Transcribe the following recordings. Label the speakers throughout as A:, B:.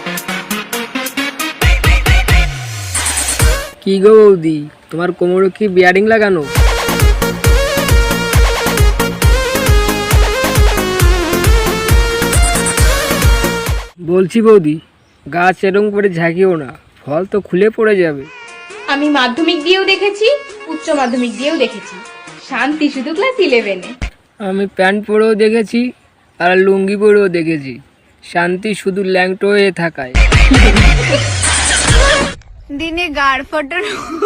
A: কি গো বৌদি, তোমার কোমরে কি বিয়ারিং লাগানো? বলছি বৌদি, গাছ এরকম করে ঝাঁকিও না, ফল তো খুলে পড়ে যাবে।
B: আমি মাধ্যমিক দিয়েও দেখেছি, উচ্চ মাধ্যমিক দিয়েও দেখেছি, শান্তি শুধু ক্লাস 11-এ।
A: আমি প্যান্ট পরেও দেখেছি আর লুঙ্গি পরেও দেখেছি, শান্তি শুধু ল্যাংটো হয়ে থাকায়।
B: দিনে গাড় ফটো।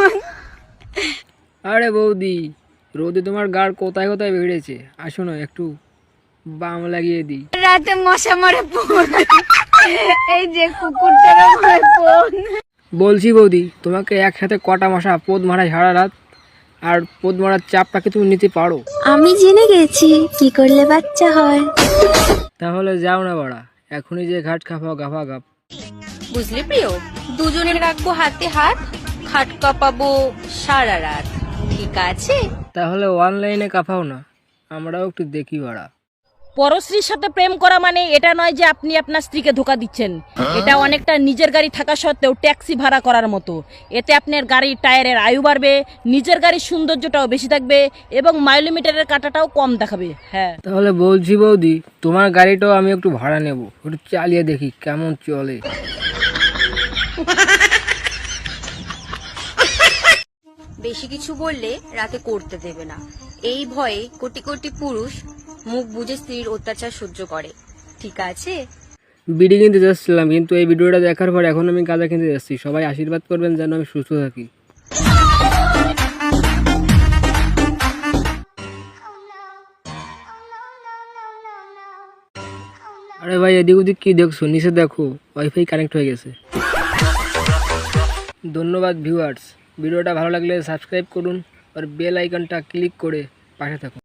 A: আরে বৌদি, রোদে তোমার গাড় কোথায় কোথায় বেড়েছে, আসো না একটু বাম লাগিয়ে দিই।
B: রাতে মশা মারে ফোন, এই যে কুকুরটারও মারে ফোন।
A: বলছি বৌদি, তোমাকে একসাথে কটা মশা পোদ মারা সারা রাত, আর পোদ মারার চাপটাকে তুমি নিতে পারো?
C: আমি জেনে গেছি কি করলে বাচ্চা হয়।
A: তাহলে যাও না বাড়া, এখনই যে ঘাট খাফাও গাফা গাপ।
D: বুঝলি প্রিয়, দুজনে রাখবো হাতে হাত, খাট কাঁপাবো সারা রাত, ঠিক আছে?
A: তাহলে অনলাইনে কাফাও না, আমরাও একটু দেখি বাড়া।
E: পরশ্রীর সাথে প্রেম করা মানে এটা নয় যে আপনি আপনার স্ত্রীকে ধোকা দিচ্ছেন। এটা অনেকটা নিজের গাড়ি থাকা সত্ত্বেও ট্যাক্সি ভাড়া করার মতো। এতে আপনার গাড়ির টায়ারের আয়ু বাড়বে, নিজের গাড়ির সৌন্দর্যটাও বেশি থাকবে এবং মাইলোমিটারের কাটাটাও কম দেখাবে। হ্যাঁ,
A: তাহলে বলছি বৌদি, তোমার গাড়িটাও আমি একটু ভাড়া নেব, একটু চালিয়ে দেখি কেমন চলে।
D: বেশি কিছু বললে রাতে করতে দেবে না, এই ভয়ে কোটি কোটি পুরুষ মুখ বুজে স্ত্রীর অত্যাচার সহ্য করে, ঠিক আছে?
A: বিড়ি কিনতে যাচ্ছিলাম, কিন্তু এই ভিডিওটা দেখার পর এখন আমি গাঁজা কিনতে যাচ্ছি। সবাই আশীর্বাদ করবেন যেন আমি সুস্থ থাকি। আরে ভাই, এদিক ওদিক কি দেখছো? নিচে দেখো, ওয়াইফাই কানেক্ট হয়ে গেছে। ধন্যবাদ ভিউয়ার্স, ভিডিওটা ভালো লাগলে সাবস্ক্রাইব করুন আর বেল আইকনটা ক্লিক করে পাশে থাকুন।